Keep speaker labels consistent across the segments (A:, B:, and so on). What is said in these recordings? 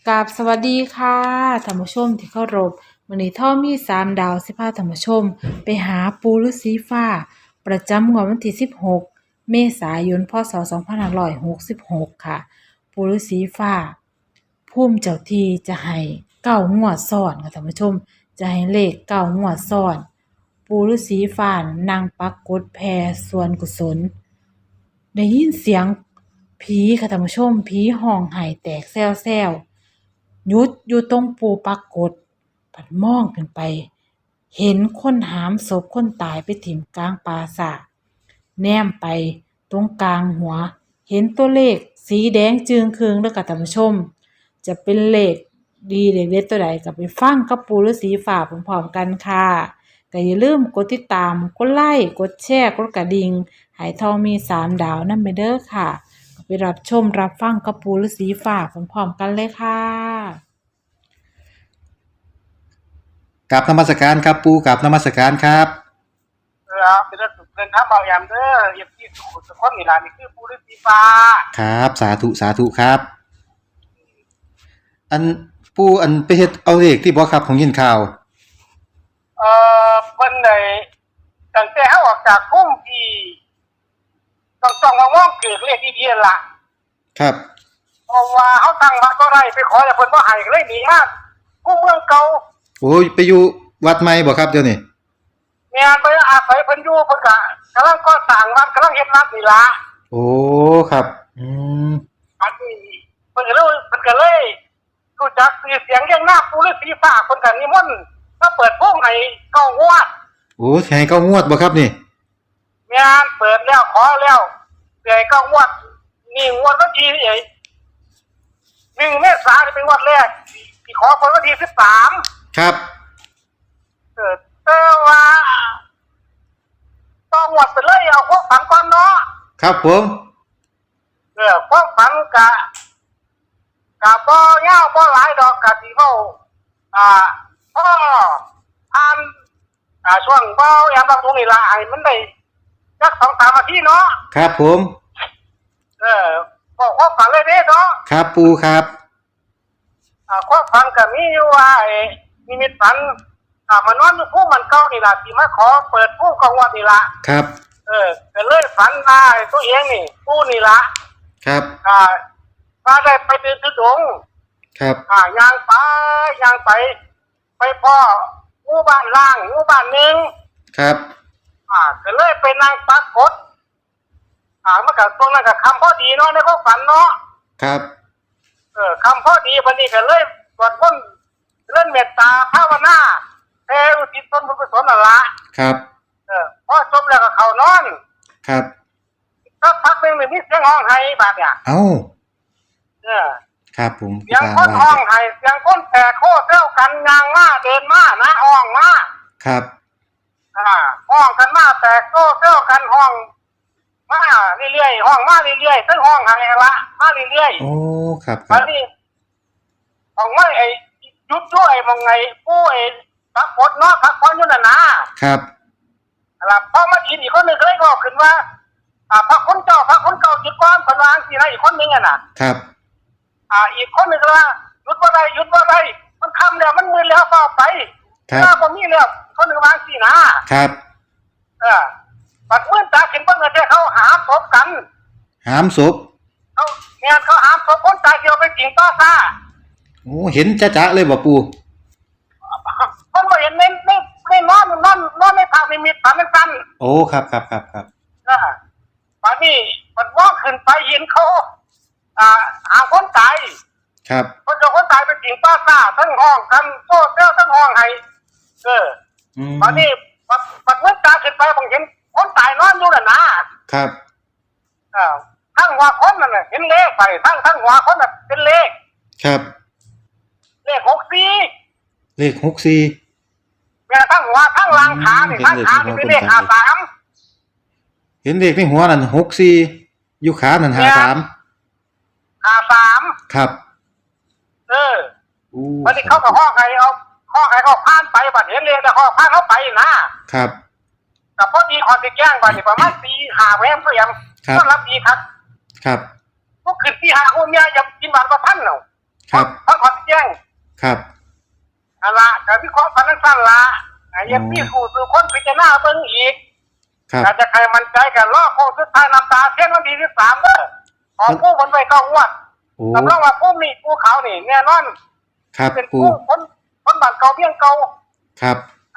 A: กราบสวัสดีค่ะท่านผู้ชมที่เคารพมื้อนี้ท่อมี3 ดาวสิพาท่านผู้ชมไปหาปู่ฤาษีฟ้าประจำงวดวันที่16เมษายนพศ2566ค่ะปู่ฤาษีฟ้าภูมิเจ้าที่จะให้9 งวดซ้อนค่ะท่านผู้ชมจะให้เลข9 งวดซ้อนปู่ฤาษีฟ้านั่งปรากฏแผ่ส่วนกุศลได้ยินเสียงผีค่ะท่านผู้ชมผีห้องไห้แตกแซ่วๆ หยุดอยู่ตรงปูปรากฏผัดมองขึ้นไปเห็นคนหามศพคนตายไปถิ่มกลางปราสาทแนมไปตรงกลางหัวเห็นตัวเลขสีแดงจึงครึงแล้วก็ท่านผู้ชมจะเป็นเลขดีเลขเด็ดตัวใดก็ไปฟังกับปู่ฤาษีฟ้าพร้อมๆกันค่ะก็อย่าลืมกดติดตามกดไลค์กดแชร์กดกระดิ่งให้ทองมี3 ดาวนำไปเด้อค่ะไปรับชมรับฟังกับปู่ฤาษีฟ้าพร้อมๆกันเลยค่ะ
B: กับนมัสการครับปูกับนมัสการครับ
C: เป็นเรื่องสุดเกินครับเบาแอมเด้อเย็บที่สุดสุดคนนี่ล่ะนี่คือผู้ฤาษีฟ้า
B: ครับสาธุสาธุครับอันปูอันไปเฮ็ดเอาเลขที่บ่ครับของยินข่าว
C: เพิ่นได้ตั้งแต่เฮาออกจากกรุงที่ต้องมองเกิดเลขที่เดียนล่ะ
B: ครับ
C: เพราะว่าเฮาตั้งวัดบ่ได้ไปขอแต่เพิ่นบ่ให้ก็เลยหนีมากู้เมืองเก่า
B: โอ้ยไปอยู่วัดใหม่บ่ครับเดี๋ยวนี้
C: แม่นไปอาศัยเพิ่นอยู่เพิ่นก็กำลังก่อสร้างวัดกำลังเฮ็ดวัดนี่ล่ะ
B: โอ้ครับม
C: อันนี้เพิ่นก็เลยรู้จักชื่อเสียงเรียงนามผู้ฤาษีฟ้าเพิ่นก็นิมนต์มาเปิดโปงให้9 งวด
B: โอ้สิให้9 งวดบ่ครับนี่
C: แม่นเปิดแล้วขอแล้วเดี๋ยว9 งวดนี่งวดวันที่1 เมษายนเป็นงวดแรกที่ขอเปิดวันที่13
B: ครับ
C: แต่ว่าต้องงวดไปเลยเอาความฝันก่อนเนาะ
B: ครับผม
C: ความฝันกะบ่ยาวบ่หลายดอกกะสิเว้าพ่ออ่านช่วงเว้าแอมบางตรงนี่ล่ะให้มันได้สัก 2-3 นาทีเนาะ
B: ครับผม
C: บอกความฝันเลยเด้เนาะ
B: ครับปูครับ
C: ความฝันก็มีอยู่ว่านิมิตฝันมานอนอยู่ภูมันเก่านี่ล่ะสิมาขอเปิดภูกองวัดนี่ล่ะ
B: ครับ
C: ก็เลยฝันว่าตัวเองนี่ผู้นี่ล่ะ
B: ครับ
C: ว่าได้ไปเดินทุดง
B: ครับ
C: ย่างไปพ่อหมู่บ้านล่างหมู่บ้านนึง
B: ครับ
C: ก็เลยไปนั่งปรากฏมันก็ตรงนั้นก็คำพอดีเนาะในความฝันเนาะ
B: ครับ
C: คำพอดีบัดนี้ก็เลยสวดมนต์เล่นเมตตาภาวนาแผ่อุทิศส่วนบุญกุศลนั่นล่ะ
B: ครับ
C: พอจบแล้วก็เข้านอน
B: ครับ
C: สักพักนึงมีเสียงร้องไห้บาดเนี่ย
B: เอ้าครับผม
C: เสียงคนร้องไห้เสียงคนแตกโคเซลกันยางมาเดินมานะห้องมา
B: ครับ
C: ห้องกันมาแตกโคเซลกันห้องมาเรื่อยๆห้องมาเรื่อยๆทั้งห้องไห้ละมาเรื่อย
B: ๆโอ้ครับ
C: อันนี้ห้องไม่ยุดด้วยมองไงผู้พักผ่อนเนาะพักผ่อนอยู่น่ะนะครับพอมาอีกคนนึงก็เลยบอกขึ้นว่าพระคนเก่าหยุดก่อนคนวางสินะอีกคนนึง
B: ครับ
C: อีกคนนึงก็ว่าหยุดบ่ได้มันค่ำแล้วมันมืดแล้วเปล่าไปถ้าบ่มีแล้วคนนึงวางสินะครับปัดมืดตาขึ้นเบิ่งแต่เขาหาศพกัน
B: หามศพ
C: เขาหาศพคนตายเดียวไปจริงต่อซ่า
B: โอ้เห็นจ๊ะๆเลยบ่ปู่
C: คนบ่เห็นในนอนในภาพนิมิตฝันสั้น
B: โอ้ครับ
C: ป่านนี้มันมองขึ้นไปเห็นเขาหาคนตาย
B: ครับ
C: คนตายเป็นจริงป้าซ่าทั้งห้องกันโซ่เจ้าทั้งห้องให้ป่านนี้ปัดมืดตาขึ้นไปผมเห็นคนตายนอนอยู่น่ะ
B: นะครับ
C: ทั้งหัวคนนั่นน่ะเห็นเลขไปทั้งหัวคนน่ะเป็นเลข
B: ครับ
C: เลข64
B: เลข64
C: แม่ทั้งหัวทั้งหลังขานี่ทั้งขานี่เป็นเลข53
B: เห็นเลขในหัวนั่น64อยู่ขานั่น53ครับ
C: วันนี้เขาก็ห้องให้เขาผ่านไปบัดเห็นเลขแล้วเขาผ่านเขาไป
B: นะครับ
C: แต่พอดีเขาจะแจ้งบัดนี้ประมาณ4-5แวมก็ยัง
B: ก็
C: รับดีครับ
B: ครับ
C: พวกขึ้น4-5คนเนี่ยยังกินบาทละ1,000เนาะ
B: ครับ
C: ทั้งขอนแจ้ง
B: ครับ
C: อันละก็วิเคราะห์กันสั้นๆละยังมีสู่คนพิจารณาเบิ่งอีก
B: ครับ
C: อาจจะใครมั่นใจกันรอบโค้งสุดท้ายน้ำตาเทียนวันที่13เด้อขอผู้คนไว้9งวด
B: โอ้
C: รับรองว่าผู้มีผู้เขานี่แน่นอน
B: ครับ
C: เป็น
B: ปู
C: ผู้คนบ้านเก่าเพียงเก่า
B: ครับ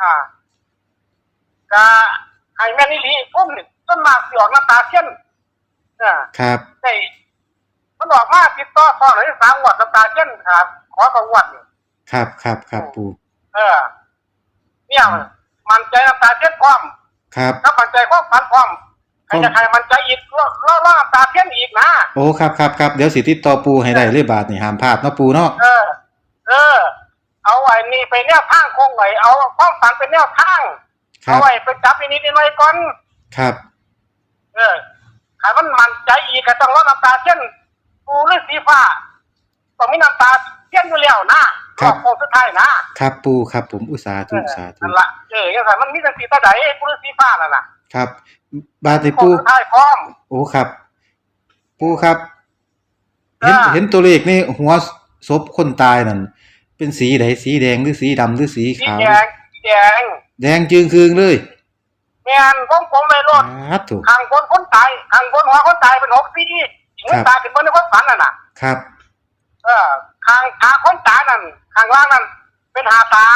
C: ก็ให้แม่นี่ลีผู้นี่ต้นมากสิออกน้ำตาเทียน
B: ครับ
C: ได้มันออกมาติดต่อซ้อนได้3งวดน้ำตาเทียนครับขอ2งวด
B: ครับครับครับปู
C: เนี่ยมันใจน้ำตาเทียนพร้อม
B: ครับ
C: ถ้ามันใจความฝันพร้อมใครจะใครมันใจอีกล่อน้ำตาเทียนอีกนะ
B: โอ้ครับครับครับเดี๋ยวสิติดต่อปูให้ได้เลยบาทนี่ห้ามพลาดเนาะปูเนาะ
C: เอาไว้นี่ไปแนวทางคงไว้เอาความฝันเป็นแนวทาง
B: ครั
C: เอา
B: บ
C: ไว้ไปจับนิดๆหน่อยๆก่อน
B: ครับ
C: ใครมันใจอีกก็ต้องล่อน้ำตาเทียนปูหรือสีฟ้าต้องมีน้ำตาเทียนอยู่แล้วนะโค้งสุดท้ายนะครับ
B: ปูครับผมอุตสาธุสาธุ
C: นั่นละยังไงมันมีแต่สีตาใดปูหรือสีฟ้านั่นน่ะ
B: ครับ บาทนี่
C: โค้
B: ปู
C: งสุดท้ายพร้อม
B: โอ้ครับ ปูครับ เห็นตัวเลขนี่หัวศพคนตายนั่นเป็นสีใดสีแดงหรือสีดำหรือสี
C: สี
B: ขาว
C: แดง
B: แดงจึงคืงเลย
C: แม่นผมเลยรถ
B: ครับถูก
C: ข้างบนคนตายข้างบนหัวคนตายเป็น6สีหัวตายเป็นบนในคนฝันน่ะ
B: ครับ
C: ข้างขาคนตายนั่นข้างล่างนั่นเป็น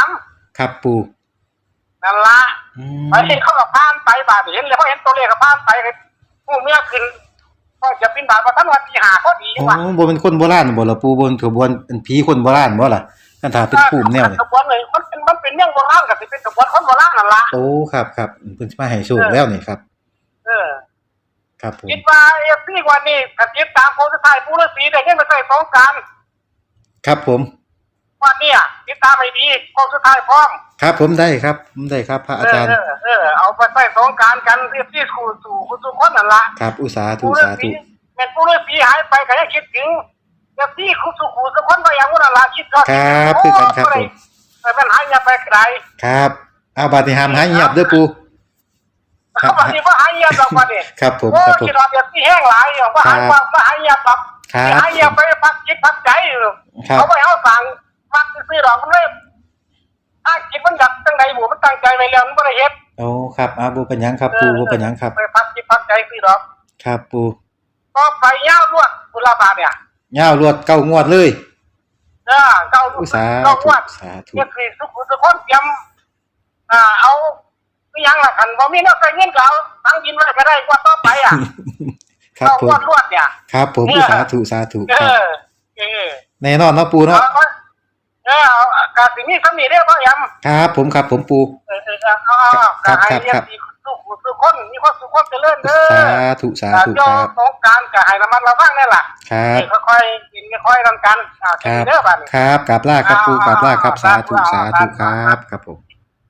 C: 53
B: ครับปู
C: นั่นละ
B: อื
C: ไปเห็นเขากับผ่านไปบาดเห็นเลยเขาเห็นตัวเลขกับผ่านไปผู้เมียขึ้นก็จะบินบาทมาทั้งวันที่5ก็ดี
B: โอ้
C: ว่ะ
B: บ่เป็นคนโบราณบ่ล่ะปูบ่เป็นขบวนเป็นผีคนโบราณบ่ล่ะคันถ้าเป็นภูมิแนวนี่
C: ขบวนเลยมันเป็นเรื่องโบราณกับสิเป็นขบวนคนโบราณนั่นละ
B: โอ้ครับครับเพิ่นสิมาให้โชคแล้วนี่ครับ ครับผม
C: คิดว่าพี่วันนี้ถ้าติดตามโพสต์ท้ายผู้ฤาษีได้เงินไปใส่สงกรานต์
B: ครับผม
C: วันนี้ติดตามให้ดีโพสต์ท้ายพร้อม
B: ครับผมได้ครับผมได้ครับพระอาจารย์
C: เอาไปใส่สงกรานต์กันเรียบที่สู่ทุกคนนั่นละ
B: ครับอุตสาธุ
C: ผู้ฤา
B: สา
C: ษี
B: ธุ
C: เป็นผู้ฤาษีหายไปก็ยังคิดถึงเรียบที่สู่ทุกคนก็ยังว่านั่นละคิดก็
B: ครับคือกันครับผม
C: แต่มันหายไปไกล
B: ครับเอาบาดนี้ห้ามหายเงียบเด้อปู
C: เขาบอกที่ว่าหายเงียบดอกว่านี่
B: ครับผม
C: โอ้
B: ครับผม
C: คิดว่าแบบที่แห้งหลายว่าหายว่าหายเงียบดอก
B: ครับ
C: หายเงียบไปพักจิตพักใจอยู่
B: ครับ
C: เขาไปเอาสั่งพักซื้อดอกมันเลยถ้าจิตมันอยากตั้งใจหมู่มันตั้งใจไว้แล้วมันบ่ได้เฮ็ด
B: โอ้ครับบ่เป็นหยังครับปูบ่เป็นหยังครับ
C: ไปพักจิตพักใจซื้อดอก
B: ครับปู
C: ก็ไปยาวลวดกุลาบาทเนี่ย
B: ยาวรวดเก้างวดเลย
C: เก้า
B: อุตสา
C: เก้า
B: ธุ
C: งวด
B: สาธุ
C: เนี่ยคือทุกคนเตรียมเอาอีหยังล่ะคันบ่มีแนวใส่เงินก็เอาตั้งกินไว้ก็ได้กว่าต่อไป
B: ครับ
C: เก้า
B: ผม
C: งวดรวดเนี่ย
B: ครับผมสาธุสาธุ
C: เอ
B: ครับ
C: อ
B: แน่นอนเนาะปูเนาะ
C: เอากาสิมีสำนีเด้อพ่อยำ
B: ครับผมครับผมปู
C: กาให้เรียนสุคนมีความสุขความเจริญเด้อ
B: สาธุสาธุ
C: โย
B: ครับ
C: สงการก็ให้ระมัดระวังนี่ล่ะ
B: ครับ
C: ค่อยๆกินค่อยๆทำกัน
B: ครับ
C: เด้อบัดนี้
B: ครับกราบลาครับปูกราบลาครับสาธุสาธุค
C: ครั
B: รับ ครับผม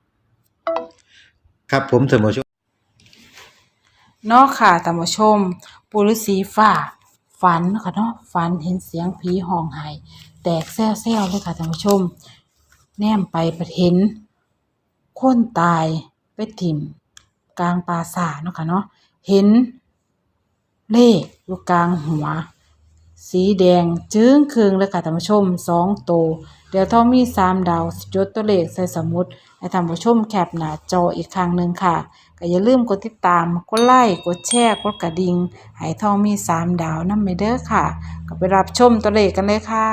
B: ครับผมเสมอช
A: เนาะค่ะท่านผู้ชมปู่ฤาษีฟ้าฝันค่ะเนาะฝันเห็นเสียงผีห้องไห้แตกแซ่วๆเลยค่ะท่านผู้ชม แนมไปประเห็นคนตายไปถิ่มกลางปราสาทเนาะค่ะเนาะเห็นเลขอยู่กลางหัว สีแดงจึ้งครึงเลยค่ะท่านผู้ชม2 ตัวเดี๋ยวถ้ามี3 ดาวจดตัวเลขใส่สมุดให้ท่านผู้ชมแคปหน้าจออีกครั้งหนึ่งค่ะก็อย่าลืมกดติดตามกดไลค์กดแชร์กดกระดิ่งให้ท่องมี3 ดาวนำไปเด้อค่ะก็ไปรับชมตัวเลขกันเลยค่ะ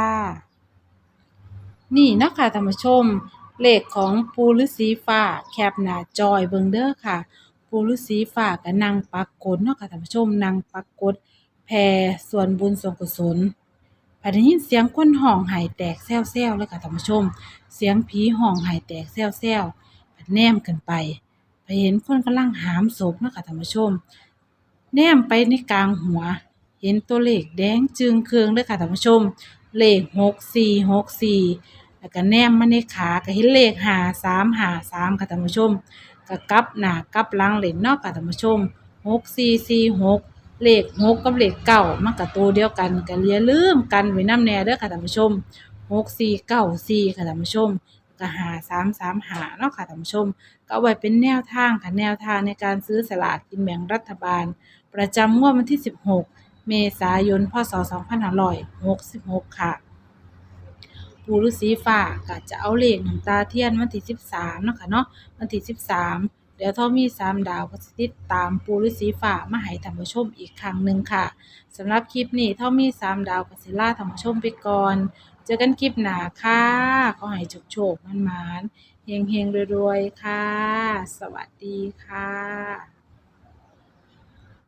A: นี่นะคะท่านผู้ชมเลขของปู่ฤาษีฟ้าแคปหน้าจอยเบิ่งเด้อค่ะปู่ฤาษีฟ้าก็นั่งปักกดเนาะค่ะท่านผู้ชมนั่งปักกดแผ่ส่วนบุญส่วนกุศลพอได้ยินเสียงคนห้องไห้แตกแซ่วๆเลยค่ะท่านผู้ชมเสียงผีห้องไห้แตกแซ่วๆพอแนมขึ้นไปเห็นคนกำลังหามศพเนาะค่ะท่านผู้ชมแนมไปในกลางหัว เห็นตัวเลขแดงจึงเคืองเลยค่ะท่านผู้ชมเลข6464แล้วก็แนมมาในขาก็เห็นเลข5353ค่ะท่านผู้ชมก็กลับหน้ากลับหลังเล่นเนาะค่ะท่านผู้ชม6446เลข6กับเลข9มันก็ตัวเดียวกันก็อย่าลืมกันไว้นำแน่เด้อค่ะท่านผู้ชม6494ค่ะท่านผู้ชมก็5335เนาะค่ะท่านผู้ชมก็เอาไว้เป็นแนวทางค่ะแนวทางในการซื้อสลากกินแบ่งรัฐบาลประจำงวดวันที่16 เมษายน พ.ศ. 2566 ค่ะปู่ฤาษีฟ้าก็จะเอาเลขน้ำตาเทียนวันที่13เนาะค่ะเนาะวันที่13เดี๋ยวทอมี3ดาวก็สิติดตามปู่ฤาษีฟ้ามาให้ท่านผู้ชมอีกครั้งหนึ่งค่ะสำหรับคลิปนี้ทอมี3ดาวก็สิลาท่านผู้ชมไปก่อนเจอกันคลิปหน้าค่ะขอให้โชคๆมันๆเฮงๆรวยๆค่ะสวัสดีค่ะ